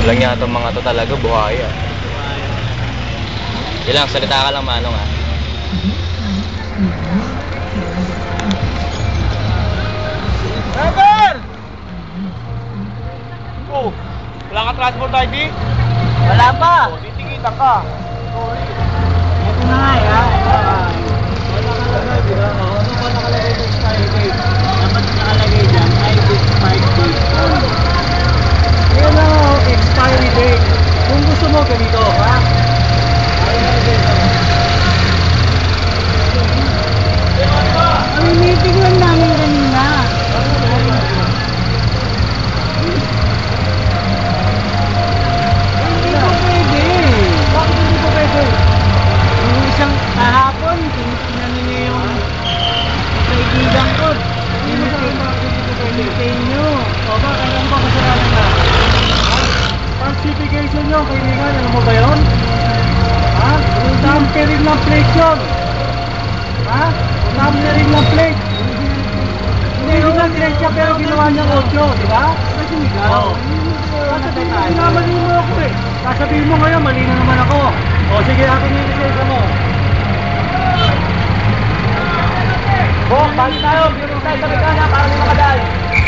Walang nga itong mga to talaga, buhaya. Ilang, salita ka lang Manong ha. Driver! Oh, wala ka transport ID? Wala pa. Oh, titingitan ka. Ito na nga ha. Wala nakalagay, di ba? Ano ba nakalagay sa Skyway? Dapat nakalagay dyan, ID expired date on. Yan na expiry date. Kung gusto mo ganito, ha? Ang meeting lang namin kanina. Hindi ko pwede. Bakit hindi ko pwede? Yung isang kahapon, tinanong niya yung kaibigan ko. Pinintay nyo. O ba, alam ko kasalanan na. Falsification nyo, kaibigan. Ano mo ba yun? Ha? Tampering ng plate yun. Ha? Tampering ng plate. Hindi lang direksya pero ginawa niyang 8, di ba? Kasi migaw. Oo. Sasabihin mo, minamali mo ako eh. Sasabihin mo ngayon, mali na naman ako. O sige, akin yung lisensya mo. Bok, balik tayo. Balik tayo sa mekana para may makadal.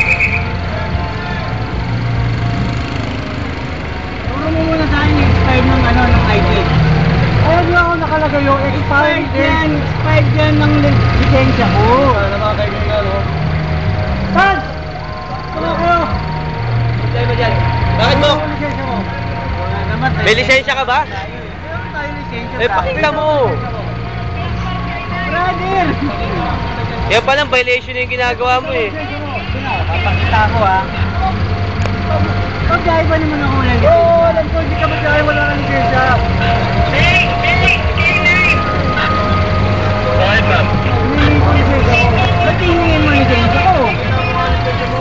Turo mo muna sa akin yung expired ng ng ID. Ayun nga ako nakalagay yung expired date. Expired yan ng lisensya ko. Ano mga kaibigan, no? Saan? Ano kayo? Sa'yo mo dyan. Bakit mo? Ano ang lisensya mo? Wala naman. May lisensya ka ba? Meron tayo lisensya. Eh, pakita mo. Brother! Yan palang violation yung ginagawa mo eh. Lisensya mo. Papakita ko ha. Pag-gaya ba naman ako walang lisensya? Oo, alam ko, hindi ka magkaya, wala kang lisensya. Bakit ma'am? Hinihingi ko lisensya mo. Ba't hihingin mo lisensya ko? Lisensya mo.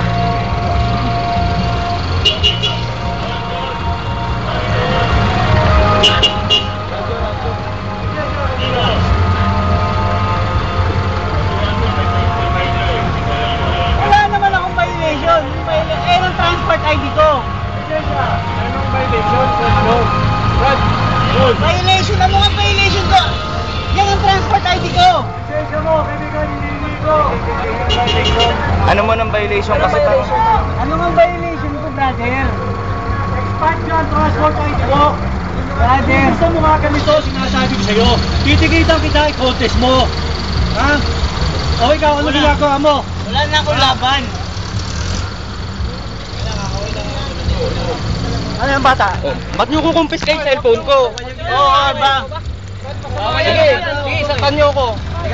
Wala naman akong violation. Eh, ng transport ID ko. Lisensya. Anong violation? No. Brad, good. Violation? Ano nga violation ko? Yan ang transport ID ko. Lisensya mo, kaibigan, hinihingi ko. Ano mo ng violation kasi tanong? Ano nga violation ko, brother? Expired yan, transport ID mo. Brother. Kung gusto mo nga ganito, sinasabi ko sa'yo, titigitan kita, i-contest mo. Ha? O ikaw, ano Wala. ginagawa mo? Wala na akong laban. Ano yung bata? Oh, ba't nyo kukumpiskate yung cellphone ko? Oo, ba? Sige, sige, saktan nyo ko.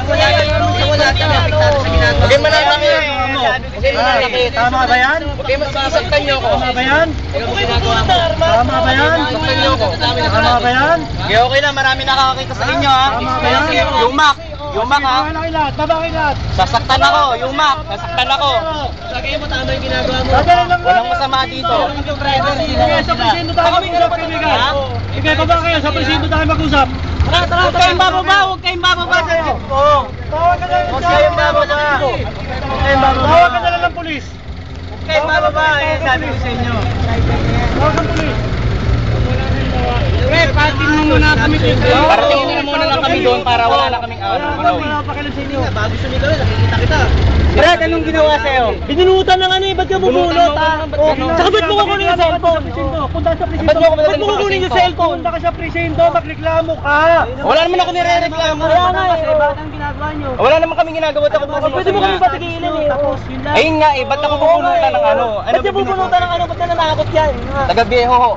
Huwag kayo mananakit. Huwag kayo mananakit. Tama ba yan? Huwag kayo saktan nyo ko. Tama ba yan? Tama ba yan? Saktan nyo ko. Tama ba yan? Okay, okay lang. Marami nakakakita sa inyo ha. Tama ba yan? Yung Mac. Yung Mac ha. Baba kayo lahat. Sasaktan ako. Yung Mac. Sasaktan ako. Lagay mo tama yung ginagawa mo. Dadalhin lang Walang natin. masama dito. Sige, sa presinto tayo mag-usap, kaibigan. Sige, baba kayo. Sa presinto tayo mag-usap. Huwag kayong bababa, huwag kayong bababa sa jeep ko. Tawag ka na lang. Huwag kayong bababa. Tawag ka na lang ng polis. Huwag kayong bababa, eh, sabi ko sa inyo. Tawag ng polis. Pre, patin mo muna kami dito. Paratingin nyo na muna lang kami doon para wala na kaming Wala pa kayo sa inyo. Bago sumigaw, nakikita kita. Brad, anong ginawa sa'yo? Binunutan ng ano eh, ba't ka bubunot ha? Tsaka ba't mo kukunin yung cellphone? Punta sa presinto. Ba't mo Ba't mo kukunin yung cellphone? Punta ka sa presinto, magreklamo ka. Wala naman ako nire-reklamo. Wala nga eh. Bakit ang ginagawa nyo? Wala naman kami ginagawa. Ba't ako Pwede mo kami patigilan eh. Tapos, yun lang. Ayun nga eh, ba't ako pupunutan ng ano? Ba't niya bubunutan ng ano? Ba't nananakot yan? Taga Viejo ho.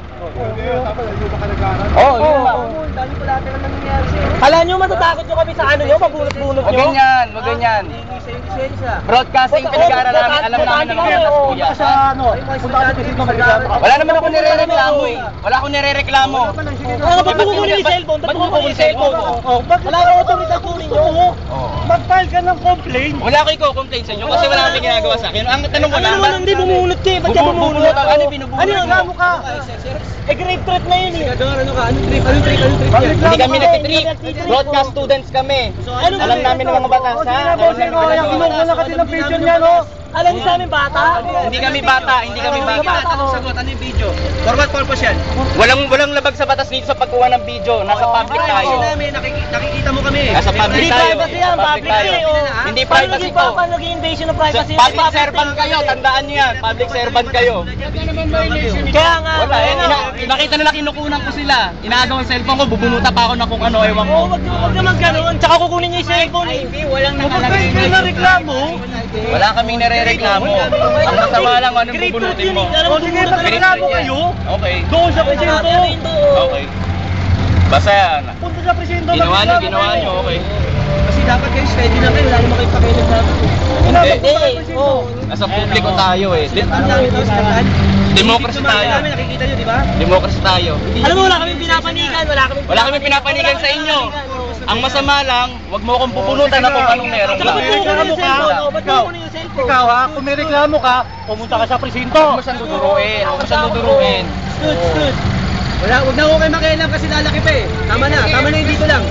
Oo, yun lang. Dami ko lahat naman nangyayari sa'yo. Kala nyo matatakot nyo kami sa ano nyo? Mabunot-bunot Huwag nyo? ganyan, huwag ganyan. Hingi sa'yo lisensya. Broadcasting pinag-aaral namin, alam namin na mga Oo, kuya. punta ka sa ano? Punta ka sa presinto, magreklamo ka. Wala naman ako nire-reklamo eh. Wala akong nire-reklamo. Ano, ba't mo kukunin yung cellphone? Ba't mo kukunin yung cellphone? Wala kang otoridad kunin nyo. Mag-file ka ng complaint. Wala ko i-complain sa inyo kasi wala kami ginagawa sa akin. Ang tanong ko Ano lang, naman, hindi bumunot ka eh. Ba't ka bumunot? Ano yung binubunot Ano yung mo? gamo ka? Eh, grade threat na yun eh. Ano ka? Anong trip? Anong trip? Anong trip yan? Hindi kami nagtitrip. Broadcast students kami. Alam namin ng mga batas ha. Alam namin ng mga Kinuha na kasi ng picture niya, no? Alam niyo sa amin bata? Hindi kami bata, hindi kami bata. Anong sagot? Ano yung video? For what purpose yan? Walang labag sa batas dito sa pagkuha ng video. Nasa public tayo. Nakikita mo kami. Nasa public Hindi tayo. privacy yan, Nasa public tayo. eh. oh. Hindi privacy to. Paano naging invasion of privacy? Public servant kayo, tandaan niyo yan. Public servant kayo. Kaya nga. Wala, nakita nila kinukunan ko sila. Inaagaw ang cellphone ko, bubunuta pa ako na kung ano, ewan ko. Oo, wag naman ganun. Tsaka kukunin niya yung cellphone. Walang nakalagay na reklamo. Wala kaming nare-reklamo. Ang masama lang, anong bubunutin mo? O sige, magreklamo kayo. Okay. Doon sa presinto. Okay. Basta yan. Punta sa presinto. Ginawa nyo, okay. Kasi dapat kayo steady na kayo. Wala naman kayo pakialam sa atin. Hindi. Oo. Nasa publiko tayo eh. Ang dami tapos kantaan. Democracy tayo. Nakikita nyo, di ba? Democracy tayo. Alam mo, wala kaming pinapanigan. Wala kami pinapanigan sa inyo. Ang masama lang, wag mo akong pupunutan na kung anong meron Tsaka ka. ba't kukunin yung cellphone? O, ba't kukunin yung cellphone? Ikaw ha, kung may reklamo ka, pumunta ka sa presinto. Huwag mo siyang duduruin. Huwag mo siyang duduruin. Stood. Wala, huwag na ako kayo makialam kasi lalaki pa eh. Tama na yung dito lang.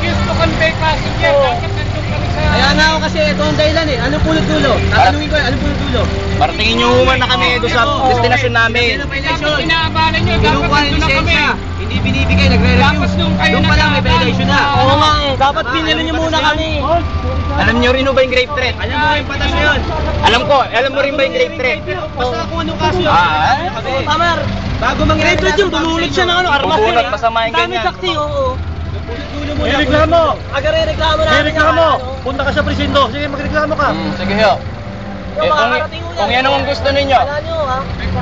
Kaya nga ako kasi ito ang dahilan eh. Anong pulot-dulo? Tatanungin ko eh, anong pulot-dulo? Paratingin nyo human na kami doon sa destinasyon namin. Kinukuha yung lisensya. Hindi binibigay, nagre-refuse. Doon pa lang may violation na. Oo nga eh. Dapat pinili niyo muna kami. Alam nyo rin ba yung grave threat? Alam mo yung patas na yun. Alam mo rin ba yung grave threat? Basta kung anong kaso yun. Tamar. Bago mangyari Grade yung bumulot siya ng ano, armas Bubulot, eh. masama yung Dami ganyan. saksi, oo. Dulo mo May na. reklamo! Aga reklamo namin. May reklamo! yung ano. Punta ka sa presinto. Sige, magreklamo ka. Sige ho. Yung makakarating mo yan. Kung yan ang gusto ninyo. Wala nyo, ha?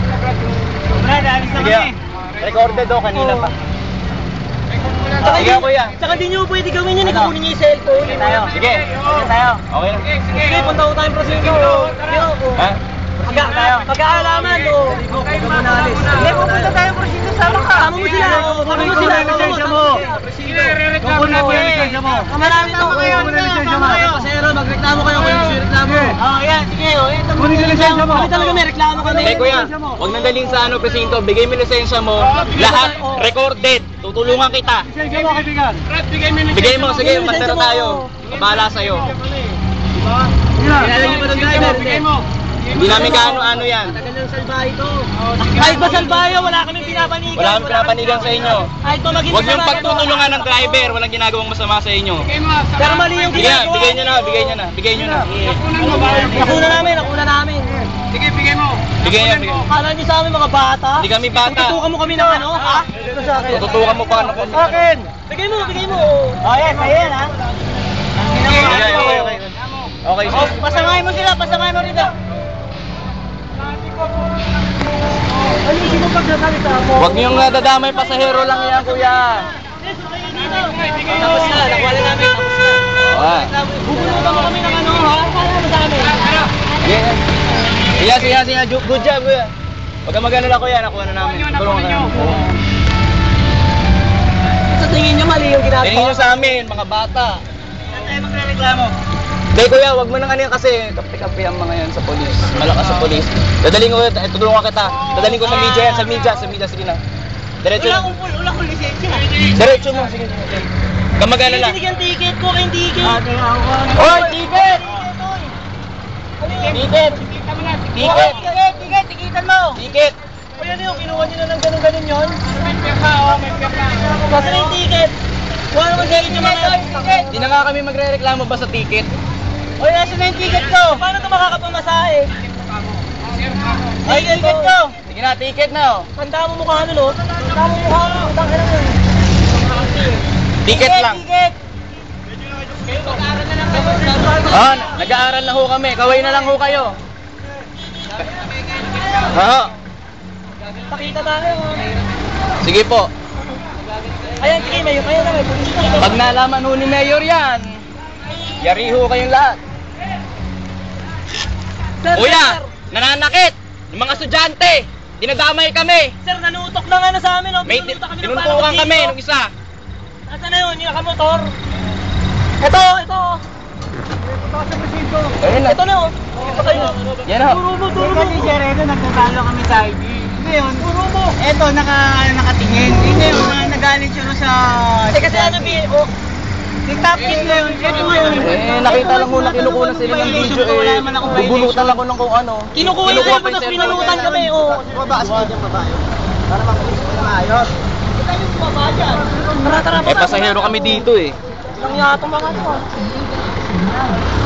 Sige ho. Recorded ho, kanina pa. Sige ho, kuya. Tsaka di nyo pwede gawin yun, ikukunin nyo yung cellphone. Sige. Sige tayo. Okay na. Sige, punta ko tayong prosinto. Ha? Pagkaalaman, o. Hindi, pupunta tayong prosinto, sama ka. Sama mo sila, o. Sama mo sila. Lisensya mo. Kukunin mo yung lisensya mo. Marami to. Kukunin mo yung lisensya mo. Pasero, magreklamo kayo kung gusto yung reklamo. Oh, yan, sige, o. Kunin yung lisensya mo. Kami talaga may reklamo kami. Eh kuya, huwag nang daling sa ano, presinto. Bigay mo yung lisensya mo. Lahat recorded. Tutulungan kita. Lisensya mo, kaibigan. Bigay mo, sige, masera tayo. Bahala sa'yo. Kilala niyo ba ng driver? Hindi namin kaano-ano yan. Tagal ng salbahe ito. Kahit ba salbayo, wala kaming pinapanigan. Wala kang pinapanigan sa inyo. Kahit ba maging Huwag niyong kasama pagtutulungan ng driver. Walang ginagawang masama sa inyo. Pero mali yung Sige, ginagawa. bigay nyo na, bigay nyo na, bigay nyo na. Nakuna namin. Bigay nyo, bigay nyo. Akala niyo sa amin mga bata? Hindi kami bata. Tutukan mo kami ng ano, ha? Ito sa akin. Tututukan mo pa ano po. Akin! Bigay mo. Oh, yes, ayan, ha? Okay. Okay, Oh, sige. pasamahin mo rito. Alisin mo pagsasalita mo. Huwag niyong nadadamay, pasahero lang yan, kuya. Tapos na, nakuha na namin. Tapos na. Ah. Bubunutan mo kami ng ano, ha? Kala mo sa amin. Sige. Good job, kuya. Huwag kang mag-alala, kuya. Nakuha na namin. Tulungan ka namin. Sa tingin niyo mali yung ginagawa. Tingin nyo sa amin, mga bata. Saan tayo magre-reklamo? Hindi, kuya, huwag mo nang ano yan kasi kape-kape ang mga yan sa polis. Malakas sa polis. Dadaling ko, tutulungan kita. Dadaling ko sa media yan, sa media, sige na. Diretso na. Wala kong lisensya. Diretso mo, sige. Huwag kang mag-alala. Binigyan ticket ko kayong ticket. Hoy, ticket! Ticket! Ticket! Tikitan mo. Ticket! O yan yung kinuha nyo na ng ganun-ganun yun? May pirma. Kasi na yung ticket. Kuha naman sa inyo mga ticket. Hindi na nga kami magre-reklamo ba sa ticket? O yan, nasa na yung ticket ko. Paano ito makakapamasahe? Ay, ticket ko. Sige na, ticket na oh. Tanda mo mukha ano, no? Tanda mo mukha ano. Tanda ka lang. Ticket lang. Ticket. Ah, nag-aaral na ho kami. Kaway na lang ho kayo. Oo. Pakita tayo. Sige po. Ayan, sige, mayo. Ayan na, may pulis na. Pag nalaman ho ni Mayor yan, yari ho kayong lahat. Sir, Kuya, sir. nananakit. Yung mga estudyante, dinadamay kami. Sir, nanutok na nga na sa amin, oh. May Pinunta kami ng tinuntukan parang kami dito. nung isa. Nasaan na yun? Yung nakamotor. Ito. Ayun na. Ito na, oh. Ito kayo. Yan ho. Turo mo. Ito, nagtatalo kami sa ID. Ngayon, eto, nakatingin. Hindi yun, nagalit siya sa... Kasi ano, Nag-tapkit na yun. Ito yun. Eh, nakita lang ho na kinukuha sila ng video eh. Bubunutan lang ko ng kung ano. Kinukuha yun, pa tapos yung pinalutan kami. Oh. Tara, tara, Eh, pasahero kami dito eh. Lang yata mga to.